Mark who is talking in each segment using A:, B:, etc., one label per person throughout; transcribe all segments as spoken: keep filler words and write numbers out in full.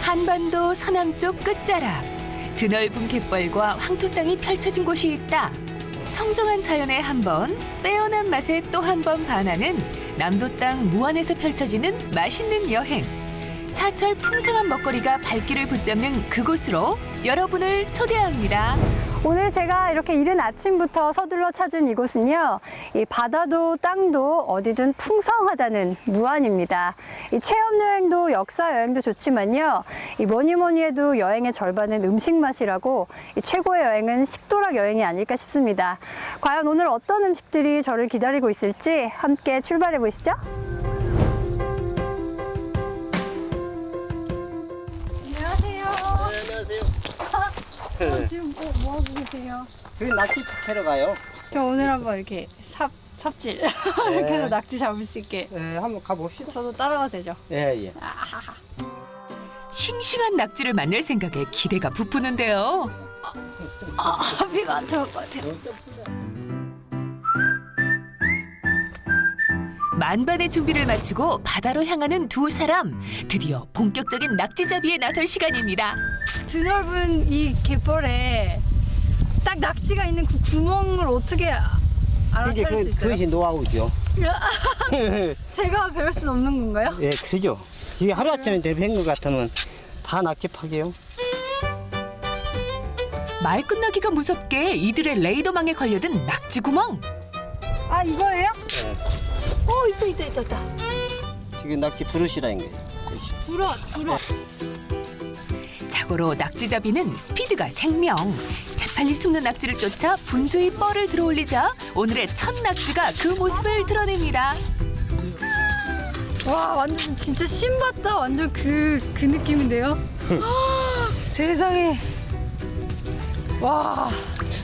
A: 한반도 서남쪽 끝자락, 드넓은 갯벌과 황토 땅이 펼쳐진 곳이 있다. 청정한 자연에 한 번, 빼어난 맛에 또 한 번 반하는 남도 땅 무안에서 펼쳐지는 맛있는 여행. 사철 풍성한 먹거리가 발길을 붙잡는 그곳으로 여러분을 초대합니다.
B: 오늘 제가 이렇게 이른 아침부터 서둘러 찾은 이곳은요, 이 바다도 땅도 어디든 풍성하다는 무안입니다. 이 체험 여행도 역사 여행도 좋지만요, 이 뭐니 뭐니 해도 여행의 절반은 음식 맛이라고 이 최고의 여행은 식도락 여행이 아닐까 싶습니다. 과연 오늘 어떤 음식들이 저를 기다리고 있을지 함께 출발해 보시죠. 안녕하세요.
C: 네, 안녕하세요.
B: 어, 지금 뭐, 뭐 하고 계세요?
C: 저희 낚시 캐러 가요.
B: 저 오늘 한번 이렇게 삽, 삽질 이렇게 해서 낙지 잡을 수 있게
C: 네, 한번 가봅시다.
B: 저도 따라가도 되죠?
C: 예, 예.
A: 싱싱한 낙지를 만날 생각에 기대가 부푸는데요.
B: 아, 비가 안 들어올 것 같아요.
A: 만반의 준비를 마치고 바다로 향하는 두 사람. 드디어 본격적인 낙지잡이에 나설 시간입니다.
B: 드넓은 이 갯벌에 딱 낙지가 있는 그 구멍을 어떻게 알아차릴 수 있어요?
C: 그것이 노하우죠.
B: 제가 배울 수는 없는 건가요?
C: 예, 그죠. 이게 하루아침에 대비한 것 같으면 다 낚시 파게요.
A: 말 끝나기가 무섭게 이들의 레이더망에 걸려든 낙지 구멍.
B: 아, 이거예요?
C: 예.
B: 어, 있다, 있다, 있다, 있다.
C: 지금 낚시 부르시라는 거예요. 그것이.
B: 불어, 불어.
A: 자고로 낙지잡이는 스피드가 생명. 재빨리 숨는 낙지를 쫓아 분주히 뻘을 들어올리자 오늘의 첫 낙지가 그 모습을 드러냅니다.
B: 와, 완전 진짜 신봤다. 완전 그, 그 느낌인데요? 세상에. 와.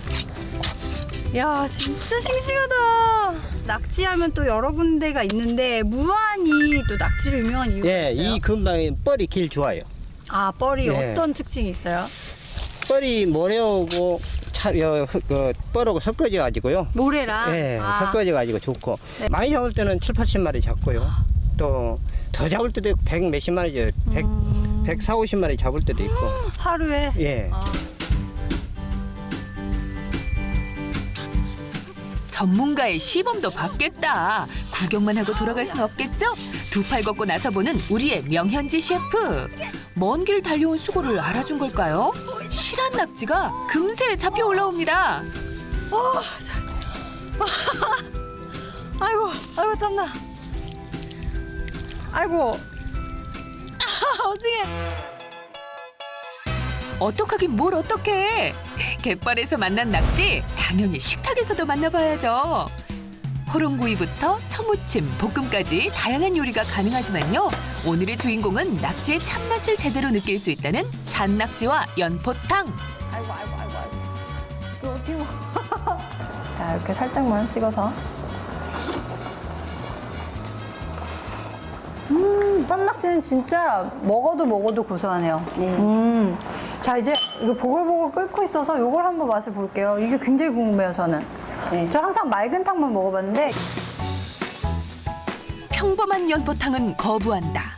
B: 야, 진짜 싱싱하다. 낙지하면 또 여러 군데가 있는데 무안이 또 낙지로 유명한 이유가
C: 예,
B: 있어요?
C: 이 근방에 뻘이 길 좋아요.
B: 아, 뻘이
C: 예.
B: 어떤 특징이 있어요?
C: 뻘이 모래하고 차, 여, 그, 뻘하고 섞어져 가지고요.
B: 모래랑?
C: 예,
B: 아,
C: 섞어져 가지고 좋고.
B: 네.
C: 많이 잡을 때는 칠, 팔십 마리 잡고요. 또 더 잡을 때도 있고 백 몇십 마리, 백,
B: 음,
C: 백사십 마리 잡을 때도 있고.
B: 하루에?
C: 예.
B: 아.
A: 전문가의 시범도 받겠다. 구경만 하고 돌아갈 순 없겠죠? 두 팔 걷고 나서보는 우리의 명현지 셰프. 먼 길 달려온 수고를 알아준 걸까요? 실한 낙지가 금세 잡혀 올라옵니다.
B: 어, 아이고, 아이고, 땀나. 아이고. 어떡해.
A: 어떡하긴 뭘 어떡해. 갯벌에서 만난 낙지 당연히 식탁에서도 만나봐야죠. 호롱구이부터 초무침, 볶음까지 다양한 요리가 가능하지만요. 오늘의 주인공은 낙지의 참맛을 제대로 느낄 수 있다는 산낙지와 연포탕.
B: 아이고, 아이고, 아이고, 아이고. 이거 어떻게 먹어? 자, 이렇게 살짝만 찍어서. 음, 쌈낙지는 진짜 먹어도 먹어도 고소하네요. 음. 자, 이제 이거 보글보글 끓고 있어서 이걸 한번 맛을 볼게요. 이게 굉장히 궁금해요, 저는.
D: 네.
B: 저 항상 맑은 탕만 먹어봤는데.
A: 평범한 연포탕은 거부한다.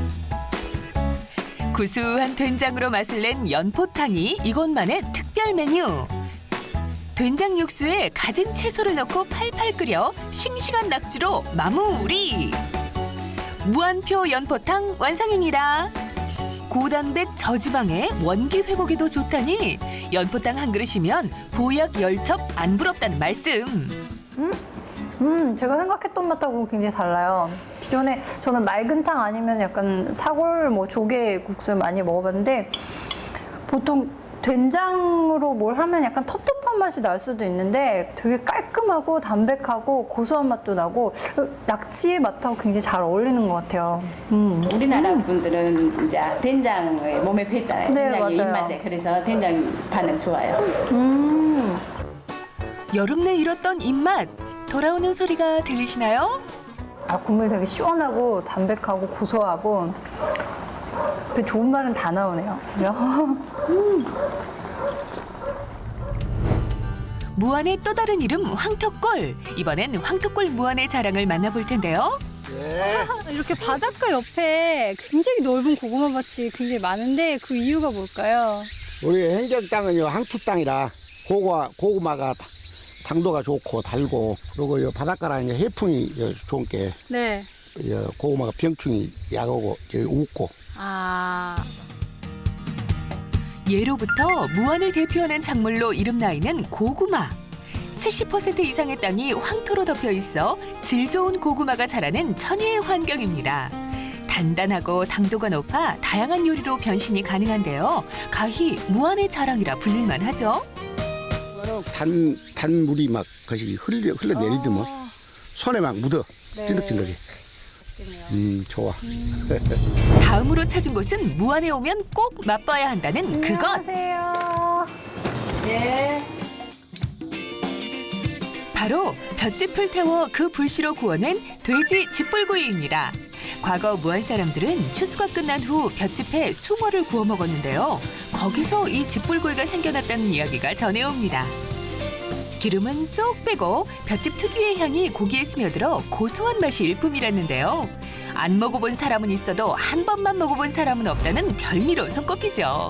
A: 구수한 된장으로 맛을 낸 연포탕이 이곳만의 특별 메뉴. 된장 육수에 가진 채소를 넣고 팔팔 끓여 싱싱한 낙지로 마무리. 무한표 연포탕 완성입니다. 고단백 저지방에 원기 회복에도 좋다니 연포탕 한 그릇이면 보약 열첩 안 부럽다는 말씀.
B: 음, 제가 생각했던 맛하고 굉장히 달라요. 기존에 저는 맑은 탕 아니면 약간 사골, 뭐 조개 국수 많이 먹어봤는데 보통 된장으로 뭘 하면 약간 텁텁한 맛이 날 수도 있는데 되게 깔끔하고 담백하고 고소한 맛도 나고 낙지의 맛하고 굉장히 잘 어울리는 것 같아요. 음.
D: 우리나라 분들은 이제 된장을 몸에 배잖아요.
B: 네,
D: 된장이
B: 맞아요.
D: 입맛에 그래서 된장 반응 좋아요.
B: 음.
A: 여름 내 잃었던 입맛 돌아오는 소리가 들리시나요?
B: 아, 국물 되게 시원하고 담백하고 고소하고 그 좋은 말은 다 나오네요. 그죠? 음.
A: 무안의 또 다른 이름 황토골. 이번엔 황토골 무안의 자랑을 만나볼 텐데요.
C: 예.
B: 이렇게 바닷가 옆에 굉장히 넓은 고구마 밭이 굉장히 많은데 그 이유가 뭘까요?
E: 우리 행정 땅은요 항토 땅이라 고구마 고구마가 다- 당도가 좋고 달고 그리고 이 바닷가라 이제 해풍이 요 좋은 게
B: 네.
E: 요 고구마가 병충이 약하고 저기 웃고
B: 아.
A: 예로부터 무안을 대표하는 작물로 이름나 있는 고구마. 칠십 퍼센트 이상의 땅이 황토로 덮여 있어 질 좋은 고구마가 자라는 천혜의 환경입니다. 단단하고 당도가 높아 다양한 요리로 변신이 가능한데요. 가히 무안의 자랑이라 불릴만 하죠.
E: 단 단물이 막 것이 흘려 흘러내리더만
B: 아,
E: 손에 막 묻어
B: 네.
E: 찐득찐득이. 음 좋아.
A: 다음으로 찾은 곳은 무안에 오면 꼭 맛봐야 한다는 그것.
B: 안녕하세요. 네.
A: 바로 볏짚을 태워 그 불씨로 구워낸 돼지 집불구이입니다. 과거 무안 사람들은 추수가 끝난 후 볏짚에 숭어를 구워 먹었는데요. 거기서 이 집불구이가 생겨났다는 이야기가 전해옵니다. 기름은 쏙 빼고 볏짚 특유의 향이 고기에 스며들어 고소한 맛이 일품이랐는데요. 안 먹어본 사람은 있어도 한 번만 먹어본 사람은 없다는 별미로 손꼽히죠.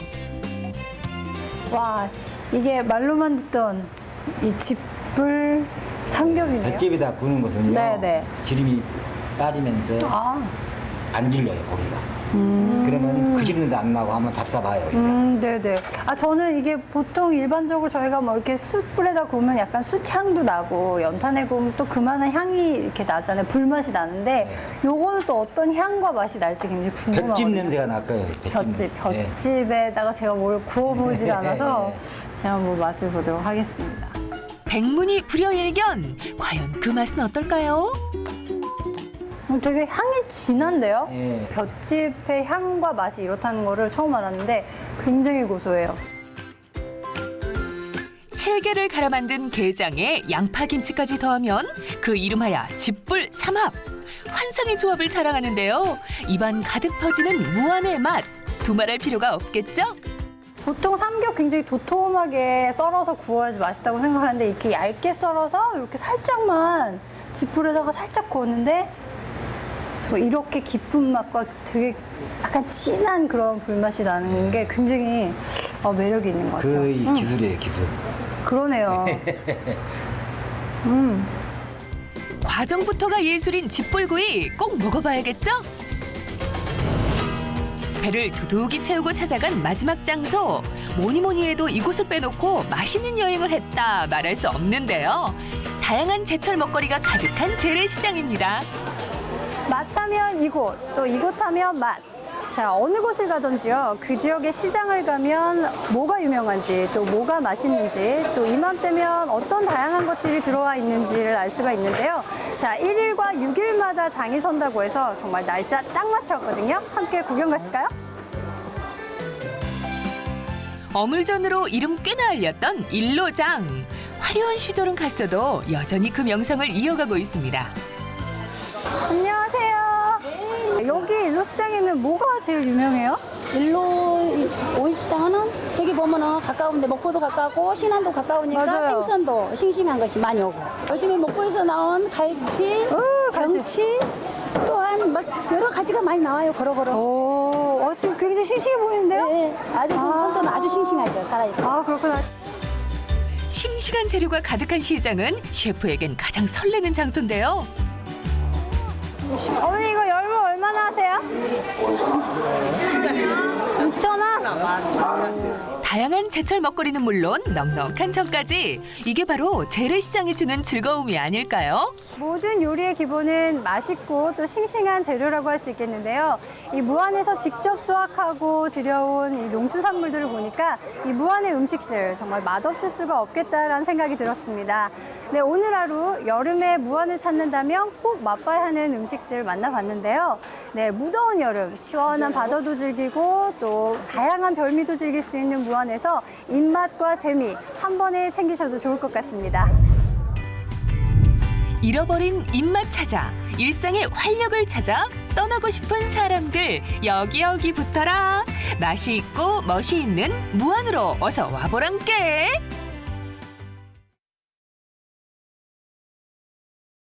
B: 와, 이게 말로만 듣던 이 집불 삼겹이네요.
F: 볏짚에다 구는 것은요.
B: 네네.
F: 기름이 빠지면서
B: 아,
F: 안 질려요 고기가. 그러면 그 기름도 안 나고 한번 잡숴봐요. 이게.
B: 음, 네네. 아, 저는 이게 보통 일반적으로 저희가 뭐 이렇게 숯불에다 구우면 약간 숯향도 나고 연탄에 구우면 또 그만한 향이 이렇게 나잖아요. 불맛이 나는데 요거는 또 어떤 향과 맛이 날지 굉장히 궁금하거든요.
F: 볏짚 냄새가 날 거예요.
B: 볏짚,
F: 예.
B: 볏짚에다가 제가 뭘 구워보질 않아서 제가 한번 맛을 보도록 하겠습니다.
A: 백문이 불여일견. 과연 그 맛은 어떨까요?
B: 어, 되게 향이 진한데요?
F: 예.
B: 볏짚의 향과 맛이 이렇다는 거를 처음 알았는데 굉장히 고소해요.
A: 칠개를 갈아 만든 게장에 양파김치까지 더하면 그 이름하여 집불 삼합. 환상의 조합을 자랑하는데요. 입안 가득 퍼지는 무안의 맛. 두말할 필요가 없겠죠?
B: 보통 삼겹 굉장히 도톰하게 썰어서 구워야지 맛있다고 생각하는데 이렇게 얇게 썰어서 이렇게 살짝만 지풀에다가 살짝 구웠는데 저 이렇게 깊은 맛과 되게 약간 진한 그런 불맛이 나는 게 굉장히 어, 매력이 있는 것 같아요.
F: 그 이
B: 음,
F: 기술이에요 기술.
B: 그러네요. 음.
A: 과정부터가 예술인 집불구이 꼭 먹어봐야겠죠? 배를 두둑이 채우고 찾아간 마지막 장소. 뭐니 뭐니 해도 이곳을 빼놓고 맛있는 여행을 했다 말할 수 없는데요. 다양한 제철 먹거리가 가득한 재래시장입니다.
B: 맛하면 이곳, 또 이곳 하면 맛. 자, 어느 곳을 가든지요. 그 지역의 시장을 가면 뭐가 유명한지, 또 뭐가 맛있는지, 또 이맘때면 어떤 다양한 것들이 들어와 있는지를 알 수가 있는데요. 자, 일 일과 육 일마다 장이 선다고 해서 정말 날짜 딱 맞췄거든요. 함께 구경 가실까요?
A: 어물전으로 이름 꽤나 알렸던 일로장. 화려한 시절은 갔어도 여전히 그 명성을 이어가고 있습니다.
B: 안녕하세요. 여기 일로시장에는 뭐가 제일 유명해요?
G: 일로 오일시장은 여기 보면은 가까운데 목포도 가깝고 신안도 가까우니까
B: 맞아요.
G: 생선도 싱싱한 것이 많이 오고 요즘에 목포에서 나온 갈치,
B: 어, 갈치.
G: 경치 또한 막 여러 가지가 많이 나와요 걸어걸어.
B: 오, 어, 지금 굉장히 싱싱해 보이는데요?
G: 네, 아주
B: 아.
G: 손도는 아주 싱싱하죠 살아있고.
B: 아, 그렇구나.
A: 싱싱한 재료가 가득한 시장은 셰프에겐 가장 설레는 장소인데요.
B: 어머니 이거 열무 얼마나 하세요? 육천 원?
A: 다양한 제철 먹거리는 물론 넉넉한 정까지. 이게 바로 재래시장이 주는 즐거움이 아닐까요?
B: 모든 요리의 기본은 맛있고 또 싱싱한 재료라고 할 수 있겠는데요. 이 무안에서 직접 수확하고 들여온 이 농수산물들을 보니까 이 무안의 음식들 정말 맛없을 수가 없겠다라는 생각이 들었습니다. 네, 오늘 하루 여름에 무안을 찾는다면 꼭 맛봐야 하는 음식들 만나봤는데요. 네, 무더운 여름 시원한 바다도 즐기고 또 다양한 별미도 즐길 수 있는 무안에서 입맛과 재미 한 번에 챙기셔도 좋을 것 같습니다.
A: 잃어버린 입맛 찾아, 일상의 활력을 찾아 떠나고 싶은 사람들 여기 여기 붙어라. 맛이 있고 멋이 있는 무안으로 어서 와보란께.